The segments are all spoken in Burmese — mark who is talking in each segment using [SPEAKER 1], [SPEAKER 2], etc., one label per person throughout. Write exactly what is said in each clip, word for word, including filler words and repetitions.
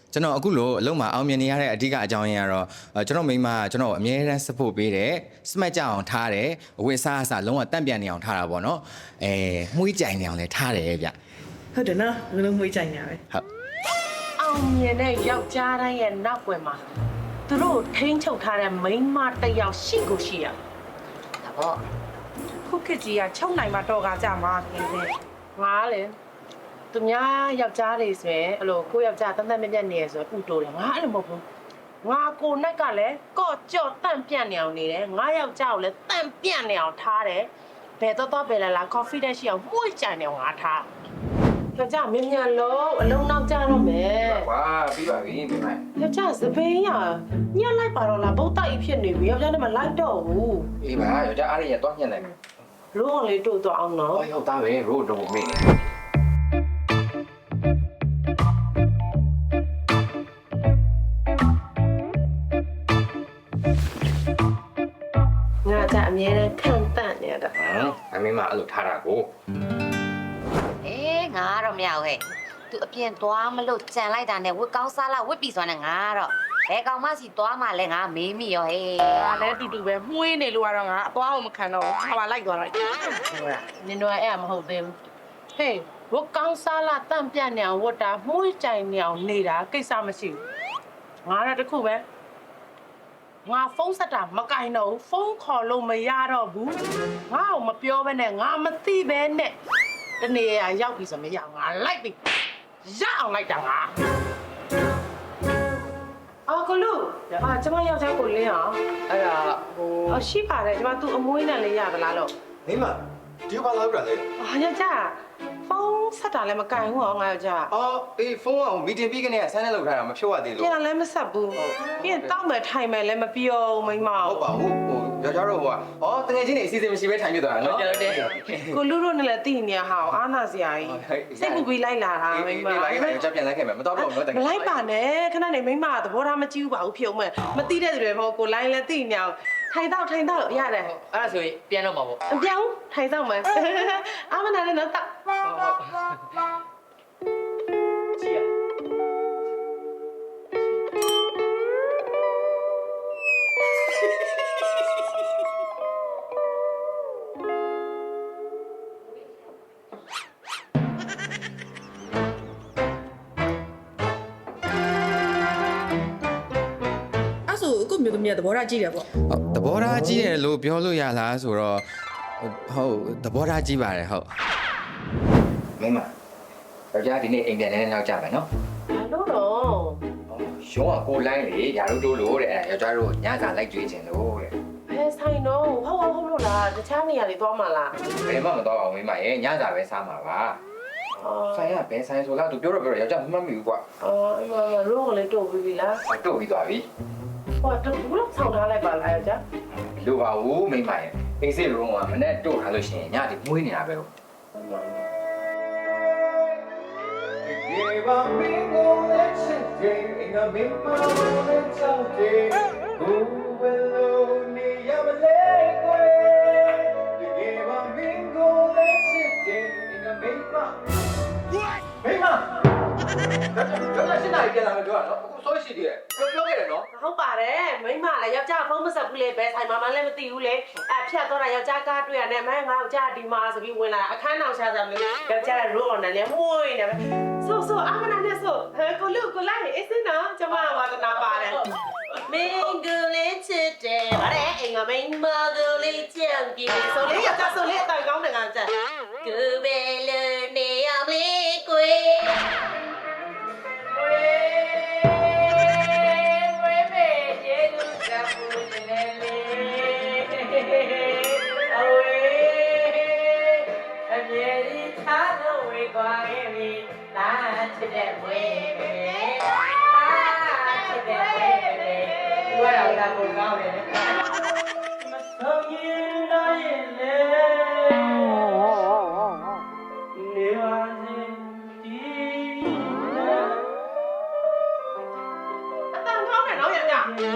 [SPEAKER 1] ကျွန်တော်အခုလို့အလုံးမှာအောင်မြင်နေရတဲ့အဓိကအကြောင်းရင်းကတော့ကျွန်တော်မိန်းမကကျွန်တော်အမြဲတမ်း support ပေးတယ်စမတ်ကြအောင်ထားတယ်အဝတ်စားအစားလုံးဝတန့်ပြန်နေအောင်ထားတာပေါ့နော်အဲမှုကြိုင်နေအောင်လည်းထားတယ်ဗျ
[SPEAKER 2] ဟုတ်တယ်နော်ငါတို့မှုကြိုင်နေရပဲ
[SPEAKER 1] ဟုတ်
[SPEAKER 3] အောင်မြင်တဲ့ယောက်ျားတိုင်းရဲ့နောက်ွယ်မှာသူတို့ထိန်းချုပ်ထားတဲ့မိန်းမတစ်ယောက်ရှိကိုရှိရဒါပေါ့
[SPEAKER 2] ခုခေတ်ကြီးကချုံနိုင်မှာတော့ကကြမှာနေတယ်
[SPEAKER 3] ငါလေသူများယောက်ျားတွေဆိုရင်အဲ့လိုကိုယောက်ျားတန်တန်မြတ်မြတ်နေရဆိုဥတိုးတယ်ငါအဲ့လိုမဟုတ်ဘူးငါကိုနဲ့ကလည်းကော့ကြော့တန့်ပြန့်နေအောင်နေတယ်ငါယောက်ျားကိုလည်းတန့်ပြန့်နေအောင်ထားတယ်ဘယ်တော့တော့ပဲလာလာ confidence ရှိအောင်မှုကြိုင်နေအောင်ငါထားယောက်ျားမြင်မြန်လို့အလုံးနောက်ကြတော့မယ်
[SPEAKER 4] ကွာပြီးပါပြီမိမ
[SPEAKER 3] ယောက်ျားစပင်းရညက်လိုက်ပါတော့လားဘုတ်တိုက်ဖြစ်နေပြီယောက်ျားနဲ့မလိုက်တော့ဘူး
[SPEAKER 4] အေးပါယောက်ျားအားရရတော့ညှက်လိုက်မယ်
[SPEAKER 3] ရိုးလေးတို့တော့အောင်နော်
[SPEAKER 4] ဟုတ်ဟုတ်သားပဲရိုးတော့မေ့နေ
[SPEAKER 3] ငါကအမြဲတမ်းခံတန့်နေရတာ
[SPEAKER 4] ဟမ်အမေမအဲ့လိုထားတာကို
[SPEAKER 5] အေးငါတော့မရဘူးဟဲ့သူအပြင်သွားမလို့ကြံလိုက်တာနဲ့ဝတ်ကောင်းစားလာဝတ်ပြီးသွားနေငါတော့ဘယ်ကောင်မှစီသွားမှလဲငါမေးမိရောဟဲ့
[SPEAKER 2] ငါလည်းတူတူပဲမှုေးနေလို့ကတော့ငါအသွားအောင်မခံတော့ဘူးဟာလိုက်သွားတော့
[SPEAKER 3] ဟုတ်လားနင်တို့အဲ့မဟုတ်သေးဘူးဟေးဝတ်ကောင်းစားလာတန့်ပြန့်နေအောင်ဝတ်တာမှုကြိုင်နေအောင်နေတာကိစ္စမရှိဘူးငါတော့တခုပဲငါဖုန်းဆက်တာမကင်တော့ဘူးဖုန်းခေါ်လို့မရတော့ဘူးငါ့ကိုမပြောဘဲနဲ့ငါမသိဘဲနဲ့တနေ့ရရောက်ပြီဆိုမရငါလိုက်ပြီရအောင်လိုက်တာငါအော်ကလူအာကျမယောက်ျားကိုလင်းအောင်
[SPEAKER 4] အဲ့ဒါဟို
[SPEAKER 3] အော်ရှိပါတယ်ကျမသူ့အမွေးနဲ့လေးရသလားလို့
[SPEAKER 4] မိမဒီဘာလောက်တာလဲ
[SPEAKER 3] အာယောက်ျားဖုန်းဆက်တာလည်းမကင်ဘူးဟောငါယောက်ျား
[SPEAKER 4] အော်အေးဖုန်းကမီတင်ပြီးကနေဆန်းနေလောက်ထားတာမဖြုတ်ရသေးလို့
[SPEAKER 3] ပြန်လည်းမဆက်ဘူးပြီးရင်တောက်မယ်ထိုင်မယ်လည်းမပြောမိမ
[SPEAKER 4] ဟုတ်ပါဘူးဟိုယောက်ျားတို့ဟိုကအော်တကယ်ချင်းနေအစီအစဉ်မရှိဘဲထိုင်ပြသွားတာနော်
[SPEAKER 3] ကျွန်တော်တဲ့ကိုလူတို့နဲ့လည်းတည်နေရဟာအာနာစရာကြီးစိတ်ပူပြီးလိုက်လာတာမိမ
[SPEAKER 4] ဒီလိုက်လိုက်ကြောက်ပြန်လိုက်ခဲ့မယ်မတော့တော့တော့တကယ်
[SPEAKER 3] မလိုက်ပါနဲ့ခဏနေမိမသဘောထားမကြည့်ဘူးပါဘူးဖြုံမဲ့မသိတဲ့သူတွေမဟုတ်ကိုလိုင်းလည်းတည်နေအောင်ထိုင်တော့ထိုင်တော့ရတယ်
[SPEAKER 4] အဲ့ဒါဆိုရင်ပြန်တော့မှာပေါ့
[SPEAKER 3] အပြောင်းထိုင်တော့မယ်အာမနာလည်းတော့
[SPEAKER 4] ဟုတ်ဟုတ်ကြည့်ရ
[SPEAKER 2] ကိုမျိုးသမီးကသဘောထားကြည့်တယ်ပေါ့
[SPEAKER 1] ဟုတ်သဘောထားကြီးတယ်လို့ပြောလို့ရလားဆိုတော့ဟုတ်သဘောထားကြီးပါတယ်ဟုတ်
[SPEAKER 4] မိမယောက်ျားဒီနေ့အိမ်ပြန်နေတော့ကြမယ်နော်
[SPEAKER 3] လို့တော့
[SPEAKER 4] ရုံးကကိုလိုင်းလေယာတို့တို့လို့တဲ့ယောက်ျားတို့ညစာလိုက်ကြွေးခြင်းလို့တဲ့
[SPEAKER 3] ဘယ်ဆိုင်တော့ဟုတ်ဟုတ်လို့လားတခြားနေရာတွေသွားမှလား
[SPEAKER 4] ဘယ်မှမသွားပါဘူးမိမရဲ့ညစာပဲစားမှာပါဆိုင်ကဘယ်ဆိုင်ဆိုလားသူပြောတော့ပြောတော့ယောက်ျားမမှတ်မိဘူးကွာ
[SPEAKER 3] အော်အမရိုးကလေးတို့ပြီလား
[SPEAKER 4] တို့ပြီးသွားပြီ
[SPEAKER 3] ဟောတော့ဘလို့ဆောင်းထားလိုက်ပါလားယောက်ျား
[SPEAKER 4] လိုပါဘူးမိမရဲ့အိမ်စစ်ရုံးကမနဲ့တို့ထားလို့ရှိရင်ညဒီမွေးနေတာပဲဟုတ်ဒီဘာမင်းကိုလက်ချင်တယ်အင်္ဂမင်းပေါ်နဲ့ချောက်တယ်ဘူးဘယ်လိုနေရမလဲကွယ်ဒီဘာမင်းကိုလက်ချင်တယ်အင်္ဂမင်းပေါ်မိမတော့တော့ရှင်းတာပြန်လာမယ်ပြောရနော်အခုဆိုရှိသေးတယ်ပြောပြောခဲ့တယ်နော်
[SPEAKER 3] ဟုတ်ပါတယ်မိမလည်းယောက်ျားဖုန်းမဆက်ဘူးလေဘယ်ဆိုင်မှာမှလည်းမသိဘူးလေအဖြတ်တော့တာယောက်ျားကားတွေ့ရတယ်မင်းငါယောက်ျားဒီမှာဆိုပြီးဝင်လာအခန်းအောင်ရှာကြလို့ယောက်ျားရိုးအောင်နဲ့လည်းမှုနေတယ်ဆိုဆိုအမနာနဲ့ဆိုဟဲကိုလူကိုလိုက်အေးစင်းနော်ကျမဝါဒနာပါတယ်မင်းကလေးချစ်တယ်ဗါတဲ့အင်္ဂမင်းမကလေးချင်ကြည့်ဆိုလေယောက်ျားဆိုလေအတိုင်ကောင်းတယ်ငါကြကူဘယ်လိုနေရမလဲကို
[SPEAKER 4] ဘာလာလာကိုကောင်းတယ်မဆုံးရင်တော့ရင်လေနေပါစေဒီ
[SPEAKER 3] အတန်ကောင်းတယ်နော်ယောက်ျားနေ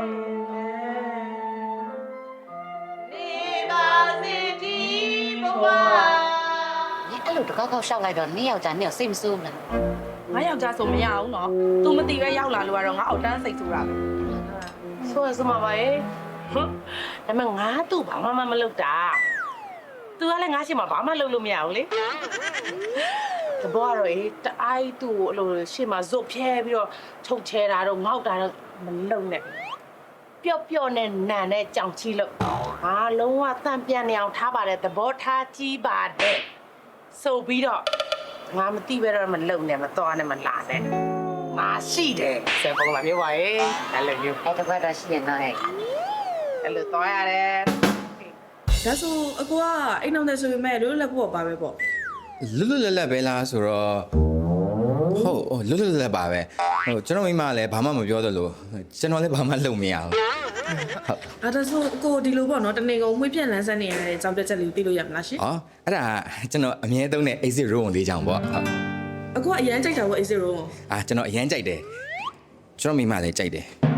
[SPEAKER 3] ပါစေဒီဘဝ
[SPEAKER 5] အဲ့လိုတကောက်ကောက်ရှောက်လိုက်တော့နင်းယောက်ျားနင်းကိုစိတ်မဆိုးဘူးလား
[SPEAKER 3] င
[SPEAKER 2] ငါယောက်ျားဆိုမရဘူးနော် तू မသိပဲရောက်လာလို့ကတော့ငါအောက်တန်းစိတ်ဆူတာပဲ
[SPEAKER 3] ဆိုရစမှာပါရဲ့ဟွန်းဒါပေမဲ့ငါသူ့ဘာမှမလုပ်တာ तू ကလည်းငါရှိမှာဘာမှလုပ်လို့မရဘူးလေတဘောကတော့အေးတအိုက်သူ့ကိုအဲ့လိုရှေ့မှာဇွတ်ဖြဲပြီးတော့ချုပ်ချဲတာတော့ငေါက်တာတော့မလုပ်နဲ့ပျော့ပျော့နဲ့နန်နဲ့ကြောင်ချီလို့ဟာလုံးဝတန့်ပြန်နေအောင်ထားပါတယ်သဘောထားကြီးပါတယ်ဆိုပြီးတော့ငါမသိပဲတော့မလုံနဲ့မသွားနဲ့မလာနဲ့ငါရှိတယ်ဆယ်ပုံလာပြောပါရဲ့အဲ့လိုမျိုး
[SPEAKER 5] အဲ့တော့ကတော့ရှိရင်တော့ဟဲ့
[SPEAKER 3] အဲ့လိုသွားရတယ်
[SPEAKER 6] ဒါဆိုအကိုကအိမ်အောင်တယ်ဆိုပေမဲ့လွတ်လပ်ဖို့ပါပဲပေါ့
[SPEAKER 1] လွတ်လွတ်လပ်လပ်ပဲလားဆိုတော့ဟုတ်လွတ်လွတ်လပ်လပ်ပါပဲဟိုကျွန်တော်မိမလည်းဘာမှမပြောသလိုကျွန်တော်လည်းဘာမှလုပ်မရဘူး
[SPEAKER 6] အဲ့ဒါဆိုအကိုဒီလိုပေါ့နော်တနေကုန်မှွေးပြန့်လန်းဆန်းနေရတဲ့အကြောင်းပြချက်လေးကိုသိလို့ရမလားရှင်
[SPEAKER 1] อ๋อအဲ့ဒါကျွန်တော်အမြဲသုံးတဲ့ exit room လေးကြောင်ပေါ့ဟုတ်
[SPEAKER 6] အကိုကအရန်ကြိုက်တာပေါ့ A zero
[SPEAKER 1] အာကျွန်တော်အရန်ကြိုက်တယ်ကျွန်တော်မိမလည်းကြိုက်တယ်